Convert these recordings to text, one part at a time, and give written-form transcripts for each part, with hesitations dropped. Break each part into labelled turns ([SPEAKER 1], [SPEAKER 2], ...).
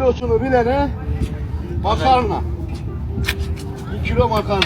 [SPEAKER 1] kilosunu bilene makarna. 1 kilo makarna.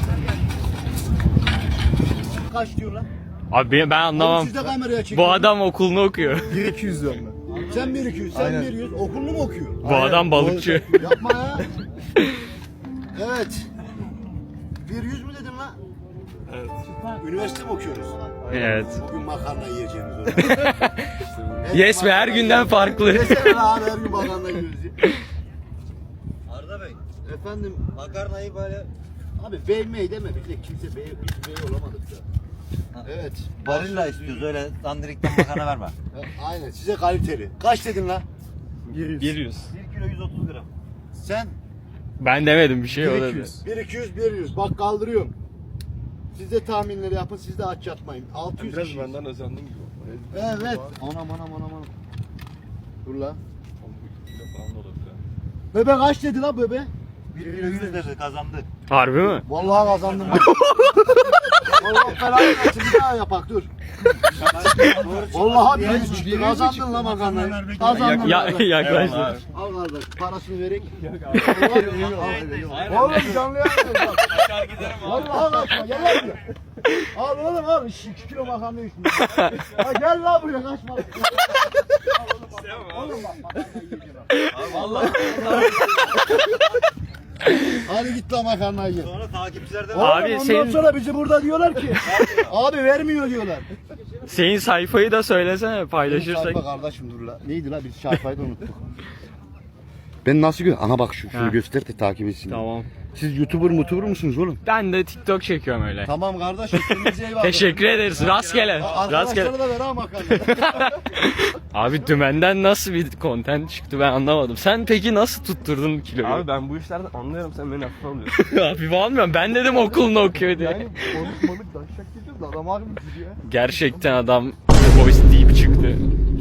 [SPEAKER 1] Kaç diyor lan?
[SPEAKER 2] Abi ben anlamam.
[SPEAKER 1] Oğlum siz de kameraya çekin.
[SPEAKER 2] Bu adam okulunu okuyor.
[SPEAKER 3] 1-200 diyorum ben.
[SPEAKER 1] Sen 1-200, sen
[SPEAKER 3] Aynen.
[SPEAKER 1] 1-100. Okulunu mu okuyor?
[SPEAKER 2] Bu adam balıkçı.
[SPEAKER 1] Yapma ya. Evet. 1-100 mü dedin lan?
[SPEAKER 3] Evet.
[SPEAKER 1] Üniversite mi okuyoruz?
[SPEAKER 2] Evet.
[SPEAKER 1] Bugün makarna yiyeceğimiz o.
[SPEAKER 2] Yes be, her günden farklı.
[SPEAKER 1] Desene lan abi, her gün makarna yiyoruz.
[SPEAKER 4] Arda Bey,
[SPEAKER 1] Efendim
[SPEAKER 4] makarnayı böyle
[SPEAKER 1] abi bey mey deme, biz de kimse bey, biz bey olamadık da. Evet.
[SPEAKER 4] barilla istiyoruz, öyle dandirikten makarna verme.
[SPEAKER 1] Aynen, size kaliteli. Kaç dedin lan?
[SPEAKER 3] 100.
[SPEAKER 4] 1 kilo 130 gram.
[SPEAKER 1] Sen?
[SPEAKER 2] Ben demedim bir şey, o dedi.
[SPEAKER 3] 200.
[SPEAKER 1] 1-200, bak kaldırıyorum. Siz de tahminleri yapın, siz de aç yatmayın. 600
[SPEAKER 3] Biraz
[SPEAKER 1] kişi.
[SPEAKER 3] benden özendim gibi.
[SPEAKER 1] Evet. Anam. Dur lan.
[SPEAKER 3] 12 kilo falan da olabilir.
[SPEAKER 1] Bebe kaç dedi lan bebe?
[SPEAKER 4] 1 kilo 100 dedi, kazandı.
[SPEAKER 2] Harbi mi?
[SPEAKER 1] Vallahi kazandım ben. Vallahi belanı versin, bir daha yapak dur. Vallahi bir çıktı. Kazandın lan makarnayı. Kazandın.
[SPEAKER 2] Yaklaştı.
[SPEAKER 1] Al kardeş, parasını verek. Oğlum canlı yayın. Vallahi kaçma, gel lan buraya. Al oğlum al, 2 kilo makarna üstüne. Ha gel lan buraya, kaçma. Oğlum bak, makarna yiyeceğim. Vallahi. Hadi git lan makarnayı ye.
[SPEAKER 4] Sonra takipçilerden
[SPEAKER 2] Abi
[SPEAKER 1] Ondan
[SPEAKER 2] senin-
[SPEAKER 1] sonra bizi burada diyorlar ki abi vermiyor diyorlar.
[SPEAKER 2] Senin sayfayı da söylesene,
[SPEAKER 1] Sayfa
[SPEAKER 2] paylaşırsak.
[SPEAKER 1] kardeşim dur la. Neydi la, biz sayfayı da unuttuk. Ben nasıl Aha bak şunu
[SPEAKER 2] Ha.
[SPEAKER 1] göster de takip etsin.
[SPEAKER 2] Tamam.
[SPEAKER 1] Siz YouTuber musunuz oğlum?
[SPEAKER 2] Ben de TikTok çekiyorum öyle.
[SPEAKER 1] Tamam kardeşim. kendinize iyi bakın.
[SPEAKER 2] Teşekkür ederiz. Rastgele. Rastgele.
[SPEAKER 1] Arkadaşlara da ver ha makarna.
[SPEAKER 2] Abi dümenden nasıl bir content çıktı ben anlamadım. Sen peki nasıl tutturdun kiloyu?
[SPEAKER 3] Abi ben bu işlerden anlıyorum, sen beni hafife alıyorsun.
[SPEAKER 2] Hafif almıyorum. Ben dedim okulunu okuyor diye.
[SPEAKER 3] Yani konuşmalık daşak gidiyoruz da adam harbi gidiyor.
[SPEAKER 2] Gerçekten adam voice deep çıktı.